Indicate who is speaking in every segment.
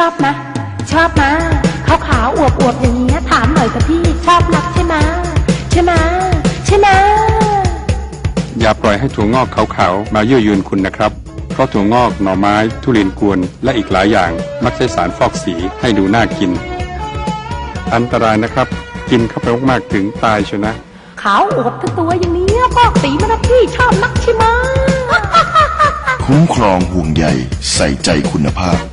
Speaker 1: อบนะชอบนะขาวขาวอวบอวบอย่างเงี้ยถามหน่อยกับพี่ชอบนักใช่ไหมใช่ไหมใช่ไหม
Speaker 2: อย่าปล่อยให้ถั่วงอกขาวๆมายั่วยวนคุณนะครับเพราะถั่วงอกหน่อไม้ทุเรียนกวนและอีกหลายอย่างมักใช้สารฟอกสีให้ดูน่ากินอันตรายนะครับกินเข้าไปมากๆถึงตายเชียวนะ
Speaker 1: ขาวอวบทั้งตัวอย่างนี้ฟอกสีมานะพี่ชอบนักใช่ไหม
Speaker 3: คุ้มครองห่วงใยใส่ใจคุณภาพ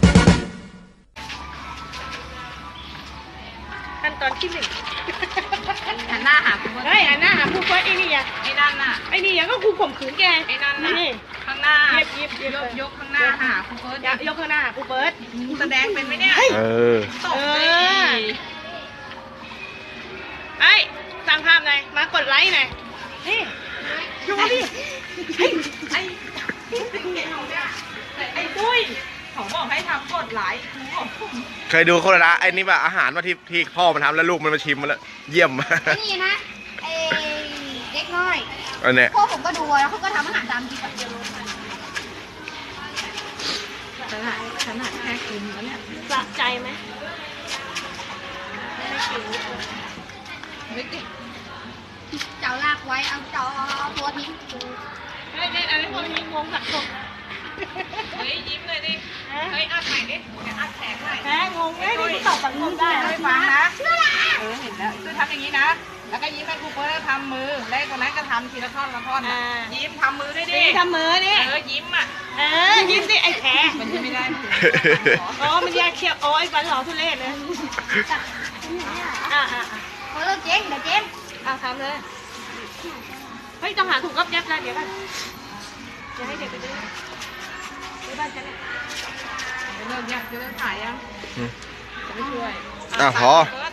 Speaker 4: ขั้นตอนที่ 1
Speaker 5: หันหน้าหาคุณเฟิร์ส
Speaker 4: เฮ้ยหันหน้าหาครูเฟิร์สไอ้นี่ยัง
Speaker 5: ไอ้นั่นน่ะ
Speaker 4: ไอ้นี่ยังก็ครูข่มขืนแก
Speaker 5: ไอ้นั่นน่ะ
Speaker 4: นี่
Speaker 5: ข้างหน้า
Speaker 4: ยิบ
Speaker 5: ยกข้างหน้าหาคุณเฟิร์ส
Speaker 4: ยกข้างหน้าหาครูเฟิร์ส
Speaker 5: แสดงเป็นไหมเนี่ย ตกเลย
Speaker 4: ไอ้สร้างภาพหน่อยมากดไลค์หน่อยนี่ดูดิ
Speaker 5: ไอ้ปุ้ยเขาบอกให้ทำกดไลค์
Speaker 6: เคยดูโฆษณาไอ้นี่ป่ะอาหารว่าที่พ่อมันทำแล้วลูกมันมาชิมมาแล้วเยี่ยม
Speaker 7: นี่นะไอ้เด็กน้อย
Speaker 6: อันเนี้ย
Speaker 7: พ่อผมก็ดูแล้วเขาก็ทำอาหารตามคลิปแบบเดียวเลย
Speaker 5: ขนาดแค่กินแล้วเนี่ย
Speaker 4: สะใจไหม
Speaker 7: เจ้าลากไว้เอาจอตัวทิ้ง
Speaker 4: เฮ้ยอันนี้คนยิงงงสักคน
Speaker 5: เฮ้ยยิ้มเลยดิ เฮ้ยอัดใหม่ดิเดี๋ยวอัดแขนใหม่
Speaker 4: แพ้งงเลยที่ตอบสังคมได้
Speaker 5: ไม่ฟังนะ เห็นแล้วคือทำอย่างนี้นะ แล้วก็ยิ้มให้ครูเฟิร์สทำมือแล้วคนนั้นก็ทำทีละท่อนละท่อนนะยิ้มทำมือด้วยดิ
Speaker 4: ทำมือนี่
Speaker 5: ยิ้มอ่ะ
Speaker 4: ยิ้มสิไอ้แพ้
Speaker 5: มันยิ้มไม่ได้
Speaker 4: อ๋อมันแยกเคี้ยวโอ้ยฟันหล่อทุเรศเลยอ่า
Speaker 7: เขาเลิกเจ๊งเดี๋ยวเจ๊ง
Speaker 4: ทำเลยเฮ้ยต้องหาถุงก๊อบแยบแล้วเดี๋ยวกันจะให้เด็กไปดูที่บ้านจะเนี่ย
Speaker 5: จะเริ่มถ่ายยังจะไม่ช่วย
Speaker 6: พอ
Speaker 5: เฟิร์ส